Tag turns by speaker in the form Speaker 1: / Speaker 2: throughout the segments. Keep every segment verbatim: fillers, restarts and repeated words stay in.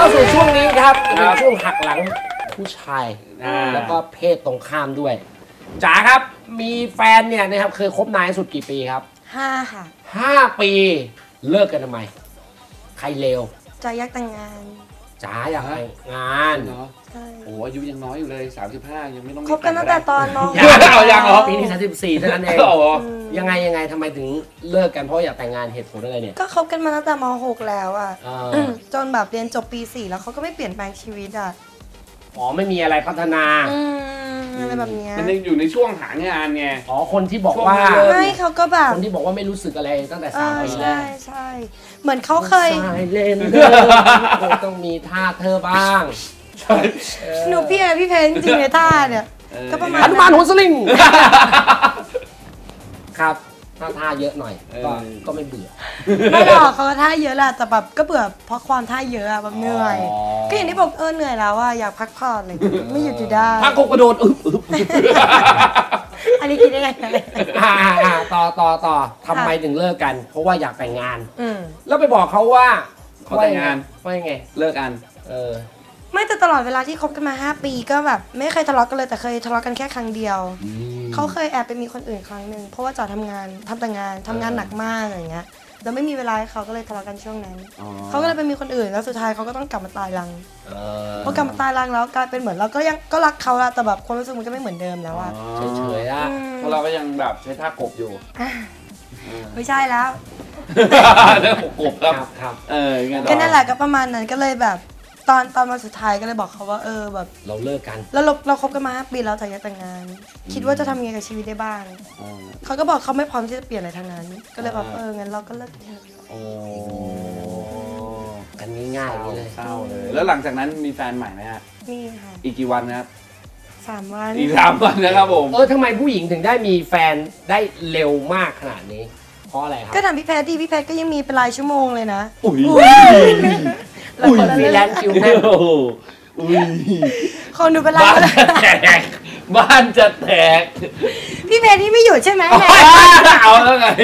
Speaker 1: สู่ช่วงนี้ครับเป็นช่วงหักหลังผู้ชายแล้วก็เพศตรงข้ามด้วยจ๋าครับมีแฟนเนี่ยนะครับเคยคบนานสุดกี่ปีครับ
Speaker 2: ห้าค่ะ
Speaker 1: ห้าปีเลิกกันทำไมใครเลว
Speaker 2: จ๋าอยากแต่งงาน
Speaker 1: จ๋าอยากแต่งงาน
Speaker 3: เนาะโอ้อายุยังน้อยอยู่เลยสามสิบห้ายังไม่ต้อง
Speaker 2: คบกันตั้งแต่ตอนน้อง
Speaker 1: ยังเหรอปีนี้สามสิบสี่เท่านั้นเองยังไงยังไงทำไมถึงเลิกกันเพราะอยากแต่งงานเหตุผลอะไรเนี่ย
Speaker 2: ก็คบกันมาตั้งแต่ม หกแล้วอ่ะจนแบบเรียนจบปีสี่แล้วเขาก็ไม่เปลี่ยนแปลงชีวิตอ่ะ
Speaker 1: อ๋อไม่มีอะไรพัฒนา
Speaker 2: อะไรแบบนี้
Speaker 3: มันยังอยู่ในช่วงหางานไง
Speaker 1: อ๋อคนที่บอกว่า
Speaker 2: ไม่เขาก็แบบ
Speaker 1: คนที่บอกว่าไม่รู้สึกอะไรตั้งแต่สามปีแรก
Speaker 2: ใช่ใช่เหมือนเขาเคย
Speaker 1: เล่นต้องมีท่าเธอบ้าง
Speaker 2: หนูพี่พี่เพนจริงในท่าเนี่ยก็ประมาณ
Speaker 1: หนุมานหัวสลิงครับท่าท่าเยอะหน่อยก็ก็ไม่เบื่อ
Speaker 2: ไม่หรอกเขาท่าเยอะแหละแต่แบบก็เบื่อเพราะความท่าเยอะอะแบบเหนื่อยก็อย่างที่บอกเออเหนื่อยแล้วอะอยากพักผ่อนเลยไม่หยุดอยู่ได้
Speaker 1: พักกระโดดอึ๊บอึ๊บ
Speaker 2: อันนี้คิดได้ไง
Speaker 1: ต่อต่อต่อทำไมถึงเลิกกันเพราะว่าอยากแต่งงานแล้วไปบอกเขาว่า
Speaker 3: เขาแต่งงาน
Speaker 1: ว่ายังไง
Speaker 3: เลิกกัน
Speaker 1: เออ
Speaker 2: ไม่แต่ตลอดเวลาที่คบกันมาห้าปีก็แบบไม่เคยทะเลาะกันเลยแต่เคยทะเลาะกันแค่ครั้งเดียวเขาเคยแอบไปมีคนอื่นครั้งหนึ่งเพราะว่าจ๋าทำงานทำแต่งานทำงานหนักมากอะไรเงี้ยแล้วไม่มีเวลาให้เขาก็เลยทะเลาะกันช่วงนั้นเขาก็เลยไปมีคนอื่นแล้วสุดท้ายเขาก็ต้องกลับมาตายรังพอกลับมาตายรังแล้วกลายเป็นเหมือนเราก็ยังก็รักเขาละแต่แบบความรู้สึกมันก็ไม่เหมือนเดิมแล้วอะ
Speaker 1: เฉยๆอะ
Speaker 3: เพราะเราก็ยังแบบใช้ท่ากบอยู่
Speaker 2: ไม่ใช่แล้ว
Speaker 3: เรื่องกบครับ
Speaker 1: ครับ
Speaker 3: เออ
Speaker 2: ก็นั่นแหละก็ประมาณนั้นก็เลยแบบตอนตอนมาสุดท้ายก็เลยบอกเขาว่าเออแบบ
Speaker 1: เราเลิกกัน
Speaker 2: แล้วเราเราคบกันมาห้าปีแล้วแต่ยังแต่งงานคิดว่าจะทำยังไงกับชีวิตได้บ้างเขาก็บอกเขาไม่พร้อมที่จะเปลี่ยนอะไรทั้งนั้นก็เลยบอกเอองั้นเราก็เลิกเถอะ
Speaker 1: โอ้กันง่ายๆเลย
Speaker 3: เศร้าเลยแล้วหลังจากนั้นมีแฟนใหม่ไหมฮะ
Speaker 2: มีค่ะ
Speaker 3: อีกกี่วันนะครับ
Speaker 2: สามวัน
Speaker 3: อีกสามวันนะครับผม
Speaker 1: เออทำไมผู้หญิงถึงได้มีแฟนได้เร็วมากขนาดนี้เพราะอะไรครับ
Speaker 2: ก็ถามพี่แพทย์ที่พี่แพทย์ก็ยังมีเป็นรายชั่วโมงเลยนะ
Speaker 3: อุ้ย
Speaker 1: อุ้ยฟรีแลนซ์คิวแม่
Speaker 3: อุ้ย
Speaker 2: คนดูเป็นไรบ้าน
Speaker 3: จะแตกบ้านจะแตก
Speaker 2: พี่เพนที่ไม่หยุดใช่ไหม
Speaker 3: เอาแล้วไง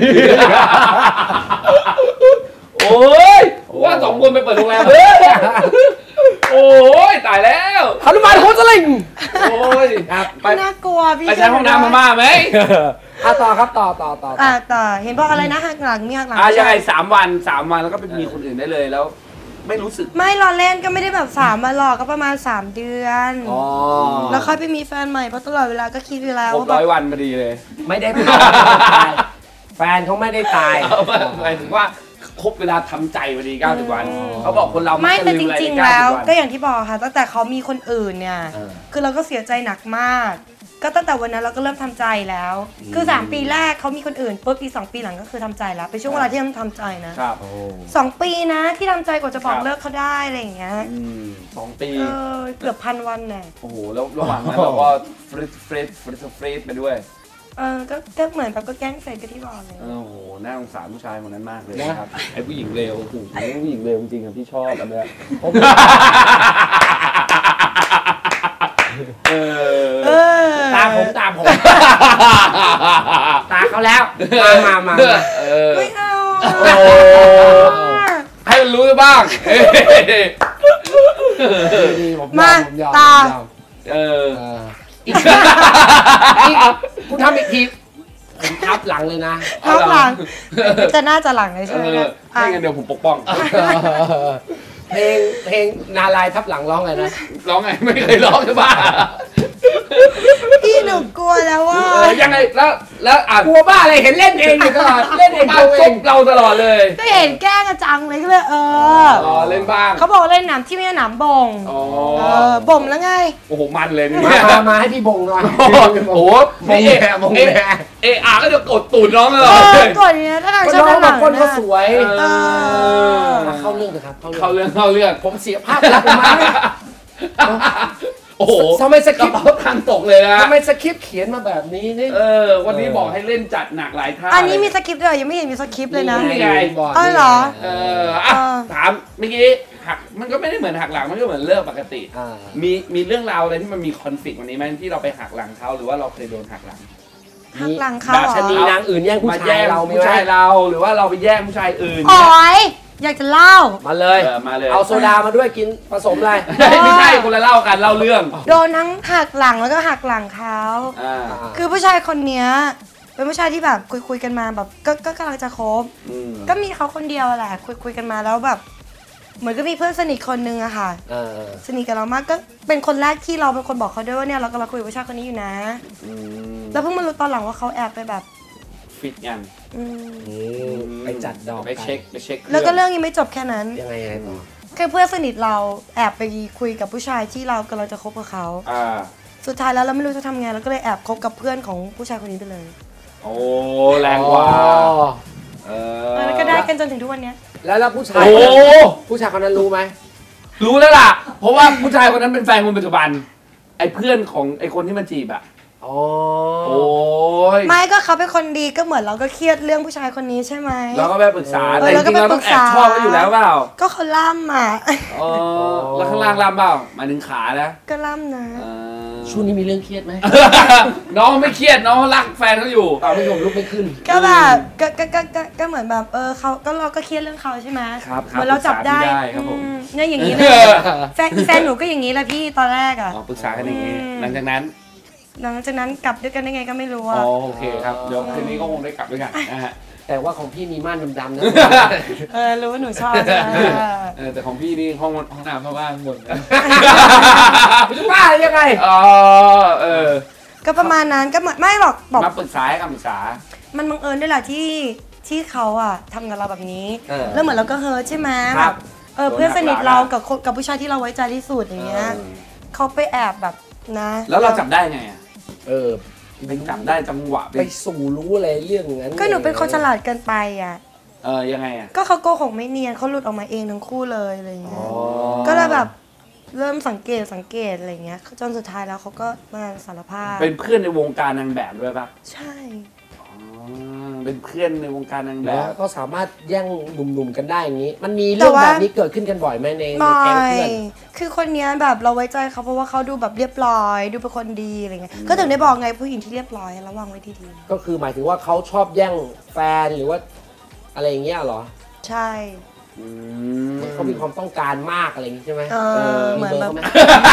Speaker 3: โอ้ยว่าสองคนไปเปิดโรงแรมโอ้ยตายแล้ว
Speaker 1: หนุมานโคตรลิง
Speaker 3: โอ้ย
Speaker 2: ไปน่ากลัวพี่
Speaker 3: ไปใช้ห้องน้ำมาม่าไหม
Speaker 1: อ่ะต่อครับต่อต่อต่อ
Speaker 2: อ่ะต่อเห็นบอกอะไรนะหักหลังมีหักหลัง
Speaker 3: อ่ะยังไงสามวันสามวันแล้วก็ไปมีคนอื่นได้เลยแล้วไม่รู้สึก
Speaker 2: ไม่รอเล่นก็ไม่ได้แบบสามมาหรอกก็ประมาณสามเดือนแล้วค่อยไปมีแฟนใหม่เพราะตลอดเวลาก็คิดอยู่แล้ว
Speaker 3: ว่าร้อยวันพอดีเลย
Speaker 1: ไม่ได้ตายแฟนเขาไม่ได้ตาย
Speaker 3: หมายถึงว่าครบเวลาทำใจพอดีเก้าสิบวันเขาบอกคนเรา
Speaker 2: ไม่แต่จริงๆแล้วก็อย่างที่บอกค่ะตั้งแต่เขามีคนอื่นเนี่ยคือเราก็เสียใจหนักมากก็ตั้งแต่วันนั้นเราก็เริ่มทำใจแล้วคือสามปีแรกเขามีคนอื่นปุ๊บปีสองปีหลังก็คือทำใจแล้วเป็นช่วงเวลาที่ต้องทำใจนะครับสองปีนะที่ทำใจกว่าจะบอกเลิกเขาได้อะไรอย่างเงี้ย
Speaker 3: สองปี
Speaker 2: เกือบพันวันแน่
Speaker 3: โอ้โหแล้วระหว่างนั้นเราก็ฟรีดฟรีดฟรีดฟรีดไปด้วย
Speaker 2: เออก็ก็เหมือนแบบก็แกล้งเฟซกันที่บอกเลย
Speaker 3: โอ้โหน่าสงสารผู้ชายคนนั้นมากเลยนะครับไอ้ผู้หญิงเร็วโอ้โหผู้หญิงเร็วจริงๆครับที่ชอบอันเนี้ย
Speaker 1: ตาผมตาผมตาเขาแล้วมามามา
Speaker 2: ไม่เอา
Speaker 3: ให้มันรู้บ้าง
Speaker 2: มาตา
Speaker 3: เออ
Speaker 1: คุณทำอีกทีผมทับหลังเลยนะ
Speaker 2: ทับหลังจะน่าจะหลังเลยใช่ไหม
Speaker 3: ไม่งั้นเดี๋ยวผมปกป้อง
Speaker 1: เพลงเพลงนาลายทับหลังร้องไงนะ
Speaker 3: ร้องไงไม่เคยร้องใช่ป่ะ
Speaker 2: พี่หนูกลัวแล้วว่า
Speaker 3: ยังไงแล้วแล้วอ่ะ
Speaker 1: กลัวบ้าอะไรเห็นเล่นเองอยู่ตลอดเล่นเอง
Speaker 3: เราเองเราตลอดเลย
Speaker 2: ก็เห็นแกล้งกระจังเลยก็เลยเออ
Speaker 3: อ๋อเล่นบ้าง
Speaker 2: เขาบอกเล่นหนามที่ไม่ใช่หนามบ่ง
Speaker 3: อ๋อ
Speaker 2: บ่มแล้วไง
Speaker 3: โอ้โหมันเลย
Speaker 1: นี่มามาให้พี่บ่งหน่อย
Speaker 3: โอ้โหบ่งแหบ่งแหเอออาก็จะกดตูดน้องตลอด
Speaker 2: กดเนี้ยถ้า
Speaker 1: ชอบน้องแบบคนก็สวยเข้าเรื่องเถอะครับ
Speaker 3: เข้าเรื่องเข้าเรื่อง
Speaker 1: ผมเสียภาพลักษณ์ผมมา
Speaker 3: โอ้โห
Speaker 1: ทำไมสคริปต์
Speaker 3: ทางตกเลยนะ
Speaker 1: ทำไมสคริปต์เขียนมาแบบนี้นี่
Speaker 3: เออวันนี้บอกให้เล่นจัดหนักหลายท่า
Speaker 2: อันนี้มีสคริปต์ด้วยยังไม่เห็นมีสคริปต์เลยนะ
Speaker 3: นี่ไง
Speaker 2: บอกอ๋อเหรอ
Speaker 3: เอออ่ะถามเมื่อกี้หักมันก็ไม่ได้เหมือนหักหลังมันก็เหมือนเลิกปกติมีมีเรื่องราวอะไรที่มันมีคอนฟลิกต์วันนี้ไหมที่เราไปหักหลังเขาหรือว่าเราเคยโดนหักหลัง
Speaker 2: หักหลังเขา
Speaker 1: แบบชนีนางอื่นแย่งผู้ชายเรา
Speaker 3: ผู้ชายเราหรือว่าเราไปแย่งผู้ชายอื่น
Speaker 2: โอ้ยอยากจะเล่า
Speaker 1: มาเลย
Speaker 3: เออมาเลย
Speaker 1: เอาโซดามาด้วยกินผสมอะไร
Speaker 3: ไม่ใช่คนละเล่ากันเล่าเรื่อง
Speaker 2: โดนทั้งหักหลังแล้วก็หักหลังเขา
Speaker 3: อ่า
Speaker 2: คือผู้ชายคนเนี้ยเป็นผู้ชายที่แบบคุยคุยกันมาแบบก็ก็กำลังจะคบ
Speaker 3: อืม
Speaker 2: ก็มีเขาคนเดียวแหละคุยคุยกันมาแล้วแบบ เหมือนก็มีเพื่อนสนิทคนนึงอะค่ะ
Speaker 1: เออ
Speaker 2: สนิทกับเรามากก็เป็นคนแรกที่เราเป็นคนบอกเขาด้วยว่าเนี่ยเรากำลังคุยกับผู้ชายคนนี้อยู่นะ
Speaker 3: อืม
Speaker 2: แล้วเพิ่งมารู้ตอนหลังว่าเขาแอบไปแบบ
Speaker 3: ฟิตกัน
Speaker 2: อืม
Speaker 1: อืมไปจัดดอก
Speaker 3: ไปเช็คไปเช็ค
Speaker 2: แล้วก็เรื่องยังไม่จบแค่นั้น
Speaker 1: ยังไงยังไงต่อ
Speaker 2: คือเพื่อนสนิทเราแอบไปคุยกับผู้ชายที่เรากำลังจะคบกับเขา
Speaker 3: อ่า
Speaker 2: สุดท้ายแล้วเราไม่รู้จะทำไงเราก็เลยแอบคบกับเพื่อนของผู้ชายคนนี้ไปเลย
Speaker 3: โอ้แรงกว่า
Speaker 1: อ๋อ
Speaker 3: เออ
Speaker 2: แล้วก็ได้กันจนถึงทุกวันเนี้ย
Speaker 1: แล้วแล้วผู้ชาย
Speaker 3: โอ้
Speaker 1: ผู้ชายคนนั้นรู้ไหม
Speaker 3: รู้แล้วล่ะ เพราะว่าผู้ชายคนนั้นเป็นแฟนคนปัจจุบัน ไอ้เพื่อนของไอ้คนที่มันจีบอะ
Speaker 1: อ๋อ
Speaker 3: โอ้ย
Speaker 2: ไม่ก็เขาเป็นคนดีก็เหมือนเราก็เครียดเรื่องผู้ชายคนนี้ใช่ไหม
Speaker 3: เราก็ไปปรึกษา
Speaker 2: เอ
Speaker 3: แต่
Speaker 2: อ
Speaker 3: จ
Speaker 2: เราก็
Speaker 3: ริงๆเรา
Speaker 2: ไปปรึ
Speaker 3: ต้อง
Speaker 2: ก
Speaker 3: แอบ
Speaker 2: ษา
Speaker 3: ชอบเขาอยู่แล้วเปล่า
Speaker 2: ก็เขาล่ำอ่ะ
Speaker 3: เออแล้วข้างล่างล่ำเปล่าหมายถึงขานะ
Speaker 2: ก็ล่ำนะ
Speaker 3: เออ
Speaker 1: ช่วงนี้มีเรื่องเครียดไหม
Speaker 3: น้องไม่เครียดน้องรักแฟนเขาอยู่
Speaker 1: เอาไม่ยอมลุกไม่ขึ้น
Speaker 2: ก็แบบก็ก็ก็ก็ก็เหมือนแบบเออเขาก็เราก็เครียดเรื่องเขาใช่ไหม
Speaker 3: ครับครับ
Speaker 2: เหมือนเราจับได้
Speaker 3: ปรึกษาพี่ได้ครับผม
Speaker 2: อืมเนี่ยอย่างนี้เลยแฟนแฟนหนูก็อย่างนี้แหละพี่ตอนแรกอ่ะ
Speaker 3: อ๋อปรึกษากันอย่างนี้
Speaker 2: อืม
Speaker 3: หลังจากนั้น
Speaker 2: หลังจากนั้นกลับด้วยกันได้ไงก็ไม่รู้
Speaker 3: อ๋
Speaker 2: อ่ะ
Speaker 3: อโอเคครับเดี๋ยวคืนนี้ก็คงได้กลับด้วยกันนะฮะ
Speaker 1: แต่ว่าของพี่มีม่านดำๆนะ
Speaker 2: เออรู้ว่าหนูชอบใช่ไหม
Speaker 3: เออแต่ของพี่นี่ห้องห้องน้ำเข้าบ้านหมดนะ
Speaker 1: จะบ้ายังไง
Speaker 3: อ๋อเออ
Speaker 2: ก็ประมาณนั้นก็เหมือนไม่หรอกบอก
Speaker 3: มาปรึกษาให้คำปรึกษา
Speaker 2: มันบังเอิญด้วยแหละที่ที่เขาอ่ะทำกับเราแบบนี้
Speaker 1: เออ
Speaker 2: แล้วเหมือนเราก็เฮิร์ตใช่ไหม
Speaker 1: ครับ
Speaker 2: เออเพื่อนสนิทเรากับคนกับผู้ชายที่เราไว้ใจที่สุดอย่างเงี้ย
Speaker 1: เออ
Speaker 2: เขาไปแอบแบบนะ
Speaker 3: แล้วเราจับได้ไงอ่ะ
Speaker 1: เออ
Speaker 3: ไปจับได้จังหวะไป
Speaker 1: ไปสู่รู้อะไรเรื่องนั้น
Speaker 2: ก็หนูเป็นคนฉลาดเกินไปอ่ะ
Speaker 3: เออยังไงอ่ะ
Speaker 2: ก็เขาโกหกไม่เนียนเขาหลุดออกมาเองทั้งคู่เลยอะไรอย่างเงี้
Speaker 3: อ๋
Speaker 2: ย
Speaker 3: อ
Speaker 2: ก็เลยแบบเริ่มสังเกตสังเกตอะไรอย่างเงี้ยจนสุดท้ายแล้วเขาก็มาสารภาพ
Speaker 3: เป็นเพื่อนในวงการนางแบบด้วยปะ
Speaker 2: ใช่
Speaker 3: อ๋อเป็นเพื่อนในวงการนางแบ
Speaker 1: แล้ว
Speaker 3: บ
Speaker 1: ก็สามารถแย่งหนุ่มๆกันได้อย่างนี้ มันมีเรื่องแบบนี้เกิดขึ้นกันบ่อยไหมในใน
Speaker 2: ไม่
Speaker 1: แก๊งเพื่อน
Speaker 2: คือคนเนี้ยแบบเราไว้ใจเขาเพราะว่าเขาดูแบบเรียบร้อย ดูเป็นคนดีอะไรเงี้ยก็ถึงได้บอกไงผู้หญิงที่เรียบร้อยระวังไว้ดี
Speaker 1: ก็คือหมายถึงว่าเขาชอบแย่งแฟนหรือว่า อะไรอย่างเงี้ยเหรอ
Speaker 2: ๆใช่
Speaker 3: อืม
Speaker 1: เขามีความต้องการมากอะไรอย่างงี้ใช่ไหม
Speaker 2: เออเหมือนแบบ
Speaker 1: มี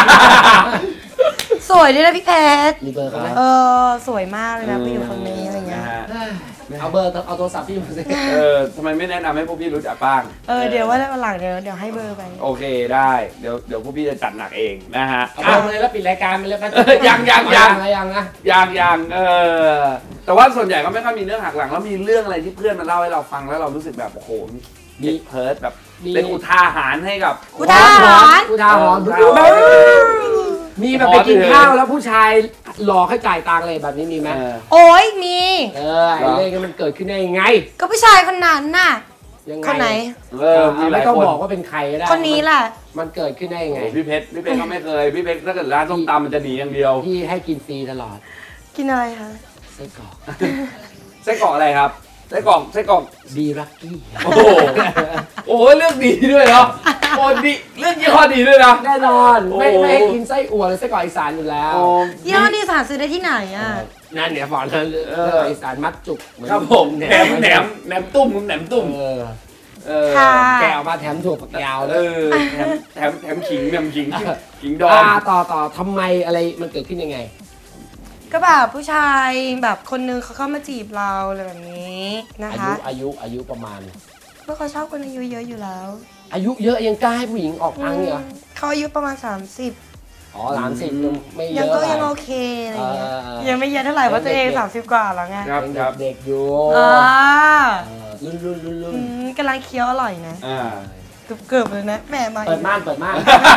Speaker 2: สวยด้วยนะพี่เพชร
Speaker 1: มีเบอร์เขาไหม
Speaker 2: เออสวยมากเลยนะผู้หญิงคนนี้อะไรเงี้ย
Speaker 3: นะฮะ
Speaker 1: เอาเบอร์เอาโทรศัพท์พี่มาสิ
Speaker 3: เออทำไมไม่แนะนำให้พวกพี่รู้จักบ้าง
Speaker 2: เออเดี๋ยวว่าวันหลังเดี๋ยวเดี๋ยวให้เบอร์ไป
Speaker 3: โอเคได้เดี๋ยวเดี๋ยวพวกพี่จะจัดหนักเองนะฮะ
Speaker 1: เอาเบอร์มาเลยแล้วปิดรายการไปเลยกัน
Speaker 3: เออยังยังยัง
Speaker 1: ยังนะ
Speaker 3: ยังยังเออแต่ว่าส่วนใหญ่ก็ไม่ค่อยมีเรื่องหักหลังแล้วมีเรื่องอะไรที่เพื่อนมาเล่าให้เราฟังแล้วเรารู้สึกแบบโอ้โหมีเพิร์ดแบบเป็นอุทาหรณ์ให้กับ
Speaker 2: อุทาหรณ์
Speaker 1: อุทาหรณ์
Speaker 3: อุทาหรณ์
Speaker 1: มีแบบไปกินข้าวแล้วผู้ชายหลอกให้จ่ายตังค์อะไรแบบนี้มีไหม
Speaker 3: เออ
Speaker 2: โอ้ยมี
Speaker 1: เออไอ้เรื่องนี้มันเกิดขึ้นได้ยังไง
Speaker 2: ก็ผู้ชายคนนั้นน่ะ
Speaker 1: ยังไง
Speaker 2: คนไหน
Speaker 3: เออมีห
Speaker 1: ไม่
Speaker 3: ลาย
Speaker 1: ต้อง
Speaker 3: คน
Speaker 1: บอกว่าเป็นใครก็ได้
Speaker 2: คนนี้แหละ
Speaker 1: มันเกิดขึ้นได้ยังไง
Speaker 3: โอ้พี่เพชรพี่เพชรก็ไม่เคยพี่เพชรถ้าเกิดร้านส้มตำมันจะหนีอย่างเดียว
Speaker 1: พี่ให้กินฟรีตลอด
Speaker 2: กินอะไรคะ
Speaker 1: ไส้กรอก
Speaker 3: ไส้กรอกอะไรครับไส้กรอกไส้กรอก
Speaker 1: ดีรักกี้
Speaker 3: โอ้โหโอ้โหเรื่องดีด้วยเนาะโอ้ดีเรื่องยี่ห้อดีด้วยนะ
Speaker 1: แน่นอนไม่
Speaker 3: โอ้
Speaker 1: ไม่ให้กินไส้อั่วเลยไส้กรอกอีสานอยู่แล้ว
Speaker 3: โอ้
Speaker 2: ยี่ห้อที่สาซื้อได้ที่ไหนอ่ะ
Speaker 1: นั่นเนี่ยบอกเลย
Speaker 3: เอ
Speaker 1: ไส้
Speaker 3: อ
Speaker 1: กรอกอีสานมัดจุกเหอน
Speaker 3: ครับผมแหนมแหนมแหนมตุ้มแหนมตุ้ม
Speaker 1: เออ
Speaker 3: เออ
Speaker 2: ค่ะ
Speaker 1: แกะออกมาแถมถั่วฝักยาว
Speaker 3: เอ
Speaker 1: เลย
Speaker 3: อแถมแถมแถมขิงแถมขิงขิงดอง
Speaker 1: อ่าต่อต่อทำไมอะไรมันเกิดขึ้นยังไง
Speaker 2: ก็แบบผู้ชายแบบคนนึงเขาเข้ามาจีบเราอะไรแบบนี้นะ
Speaker 1: อา
Speaker 2: คะ
Speaker 1: ยุอายุอายุประมาณ
Speaker 2: เพราะเขาชอบคนอายุเยอะอยู่แล้ว
Speaker 1: อายุเยอะยังกล้าให้ผู้หญิงออกตังค์เหรอ
Speaker 2: อืมเขาอายุประมาณสามสิบ
Speaker 1: อ๋อหลานสิบยังไม่เย
Speaker 2: ยัง
Speaker 1: อะ
Speaker 2: ก็ยัง
Speaker 1: ไป
Speaker 2: โอเคอะไรเงี้ย
Speaker 1: เออเออ
Speaker 2: ยังไม่เยอะเท่าไหร่เพราะตัวเองสามสิบกว่าแล้วไง
Speaker 3: ครับ
Speaker 1: ยัง
Speaker 3: ครับ
Speaker 1: เด็กๆอยู่
Speaker 2: อ่า
Speaker 1: เออรุ่นรุ่นรุ่นรุ่
Speaker 2: อื
Speaker 1: น
Speaker 2: มกำลังเคี้ยวอร่อยนะ
Speaker 3: อ่า
Speaker 2: เกือบๆเลยนะแหม่มา
Speaker 1: เปิดม่านเปิดม่าน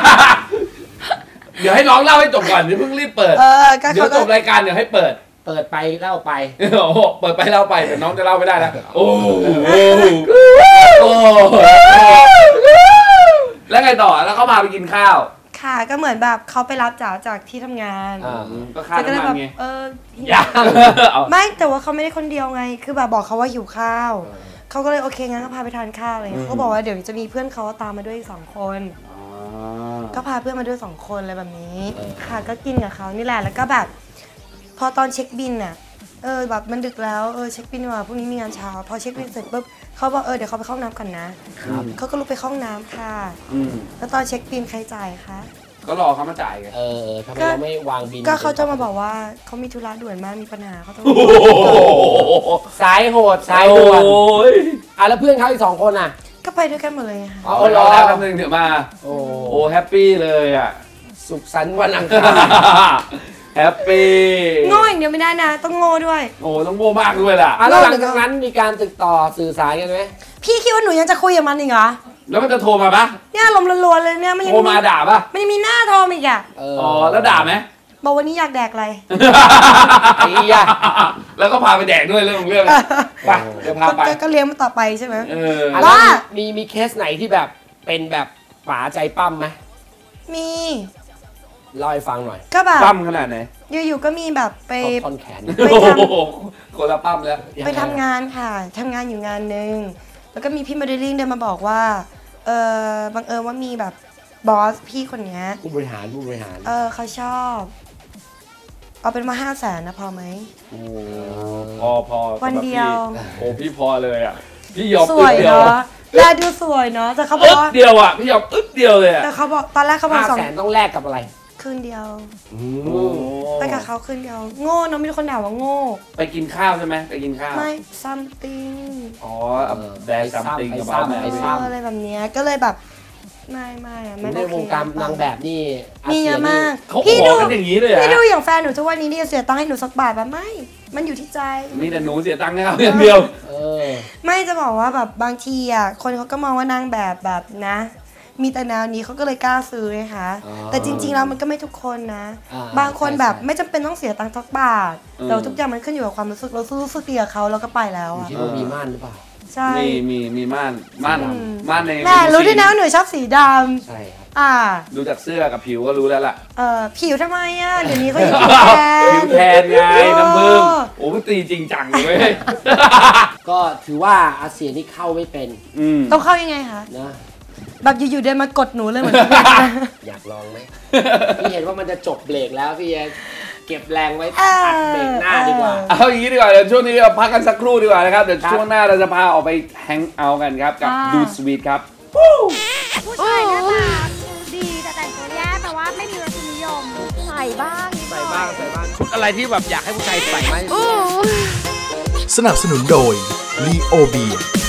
Speaker 3: เดี๋ยวให้น้องเล่าให้จบก่อนเดี๋ยวเพิ่งรีบเปิด
Speaker 2: เออก็
Speaker 3: เดี๋ย
Speaker 2: เขา
Speaker 3: วจ
Speaker 2: ก็
Speaker 3: บรายการเดี๋ยวให้เปิด
Speaker 1: เปิดไปเล่าไป
Speaker 3: โอ้โหเปิดไปเล่าไปแต่น้องจะเล่าไม่ได้แล้วโอ้โหโอ้โหแล้วไงต่อแล้วเขาพาไปกินข้าว
Speaker 2: ค่ะก็เหมือนแบบเขาไปรับจ๋าจากที่ทำงาน
Speaker 1: อ่า
Speaker 3: ก็ค่า
Speaker 2: จ๋าก็เลย
Speaker 3: น้ำมั
Speaker 2: แบ
Speaker 3: น
Speaker 2: บ
Speaker 3: ไง
Speaker 2: เออ
Speaker 1: ยัง
Speaker 3: เอา
Speaker 2: ไม่แต่ว่าเขาไม่ได้คนเดียวไง คือแบบบอกเขาว่าหิวข้าวเขาก็เลยโอเคงั้นก็พาไปทานข้าวอะไรเงี้ยเขาก็บอกว่าเดี๋ยวจะมีเพื่อนเขาตามมาด้วยอีกสองคน
Speaker 3: อ๋อ
Speaker 2: ก็พาเพื่อนมาด้วยสองคนอะไรแบบนี้ค่ะก็กินกับเขานี่แหละแล้วก็แบบ พอตอนเช็คบินน่ะเออแบบมันดึกแล้วเออเช็คบินดีกว่าพรุ่งนี้มีงานเช้าพอเช็คบินเสร็จปุ๊บเขาบอกเออเดี๋ยวเขาไปเข้าห้องน้ำกันนะเขาก็ลุกไปเข้าห้องน้ำค่ะแล้วตอนเช็คบินใครจ่ายคะ
Speaker 3: ก็รอเขามาจ่ายไง
Speaker 1: เออทำไมเราไม่วางบิน
Speaker 2: ก็เขาจะมาบอกว่าเขามีธุระด่วนมากมีปัญหาเขาต้อง
Speaker 1: สายโหดสายด่วนอ่ะแล้วเพื่อนเขาอีกสองคนอ่ะ
Speaker 2: ก็ไปด้วยกันหมดเลยค่ะ
Speaker 3: อ๋อรอแป๊บนึงเดี๋ยวมาโอ้โหแฮปปี้เลยอ่ะ
Speaker 1: สุขสันต์วันอังคาร
Speaker 3: แฮปปี้
Speaker 2: โง่อย่างเดียวไม่ได้นะต้องโง่ด้วย
Speaker 3: โอ้ต้องโง่มากด้วยล่ะ
Speaker 1: แล้วหลังจากนั้นมีการติดต่อสื่อสารกันไหม
Speaker 2: พี่คิดว่าหนูยังจะคุยกับมันอีกเหรอ
Speaker 3: แล้วมันจะโทรมาปะ
Speaker 2: เนี่ยลมล้วนๆเลยเนี่ยมันยัง
Speaker 3: โทรมาด่าปะ
Speaker 2: มันยังมีหน้าโทรอีกอ่ะ
Speaker 3: อ๋อแล้วด่าไหม
Speaker 2: บอกวันนี้อยากแดกอะไร
Speaker 1: ไอ้ยา
Speaker 3: แล้วก็พาไปแดกด้วยเรื่องเรื่องไปเดี๋ยวพาไป
Speaker 2: ก็เลี้ยงมันต่อไปใช่ไหม
Speaker 3: เออ
Speaker 1: ว่ามีมีเคสไหนที่แบบเป็นแบบป๋าใจปั้มไหม
Speaker 2: มี
Speaker 1: เล่าให้ฟังหน่อย
Speaker 2: ก็แบบ
Speaker 3: ปั้มขนาดไหน
Speaker 2: อยู่ๆก็มีแบบไป
Speaker 1: ท่อนแขน
Speaker 3: ไปทำคนละปั้มแล้ว
Speaker 2: ไปทำงานค่ะทำงานอยู่งานนึงแล้วก็มีพี่โมเดลลิ่งเดินมาบอกว่าเออบังเอิญว่ามีแบบบอสพี่คนนี้
Speaker 1: ผู้บริหารผู้บริหาร
Speaker 2: เออเขาชอบเอาเป็นมาห้าแสนนะพอไหม
Speaker 3: โอ้พอพอ
Speaker 2: วันเดียว
Speaker 3: โอ้พี่พอเลยอ่ะพี่ยอม
Speaker 2: สวยเนาะแลดูสวยเนาะแต่เขาบอกว่า
Speaker 3: เดียวอ่ะพี่ยอมอึ๊บเดียวเลยอ่ะ
Speaker 2: แต่เขาบอกตอนแรกเขาบอก
Speaker 1: สองแสนต้องแลกกับอะไร
Speaker 2: คืนเดียวไปกับเขาคืนเดียวโง่เนาะมีคนด่าว่าโง่
Speaker 3: ไปกินข้าวใช่ไหมไปกินข้าว
Speaker 2: ไม่ something
Speaker 3: อ๋อแบร์ซัมติงกับบ้าแม่
Speaker 2: อะไรแบบนี้ก็เลยแบบไม่ไม่อะไม่
Speaker 1: ในวงการนางแบบนี่
Speaker 2: มีเยอะมาก
Speaker 3: พี่ดูอย่างนี้เลย
Speaker 2: พี่ดูอย่างแฟนหนูทุกวันนี้นี่เสียตังค์ให้หนูสักบาทแบบไม่มันอยู่ที่ใจ
Speaker 3: มีแต่หนูเสียตังค์ให้เขาอย่างเดียว
Speaker 2: ไม่จะบอกว่าแบบบางทีอ่ะคนเขาก็มองว่านางแบบแบบนะมีแต่แนวนี้เขาก็เลยกล้าซื้อไงคะแต่จริงๆแล้วมันก็ไม่ทุกคนนะบางคนแบบไม่จำเป็นต้องเสียตังค์สักบาทแต่ทุกอย่างมันขึ้นอยู่กับความรู้สึกเรารู้สึกดีกับเขาแล้วก็ไปแล้วอ่ะ
Speaker 1: คิดว่ามีม่านหรือเปล่า
Speaker 2: ใช่
Speaker 3: มีมีมีม่านม่านม่านใน
Speaker 2: แม่รู้ด้วยนะหนูชอบสีดำ
Speaker 1: ใช่ครับ
Speaker 2: อ่า
Speaker 3: ดูจากเสื้อกับผิวก็รู้แล้วล่ะ
Speaker 2: เออผิวทำไมอ่ะเดี๋ยวนี้เขาอยู่ผิวแทน
Speaker 3: ผิวแทนไงน้ำผึ้งโอ้มันตีจริงจังเลย
Speaker 1: ก็ถือว่าอาเซียนนี่เข้าไม่เป็น
Speaker 2: ต้องเข้ายังไงคะ
Speaker 1: นะ
Speaker 2: แบบอยู่ๆเดินมากดหนูเลยเหมือน
Speaker 1: อยากลองไหมพี่เห็นว่ามันจะจบเบรกแล้วพี่เก็บแรงไว้อัดเบรกหน้าดีกว่า
Speaker 3: เอาอย่างนี้ดีกว่าเดี๋ยวช่วงนี้เราพักกันสักครู่ดีกว่านะครับเดี๋ยวช่วงหน้าเราจะพาออกไปแฮงเอาท์กันครับกับดูสวีทครับ
Speaker 4: ผู้ชายหน้าตาดีแต่แต่งตัวแย่แต่ว่าไม่มีรสนิยมใส่บ้าง
Speaker 1: ใส่บ้างใส่บ้างชุดอะไรที่แบบอยากให้ผู้ชายใส่ไหม
Speaker 5: สนับสนุนโดย ลีโอ เบียร์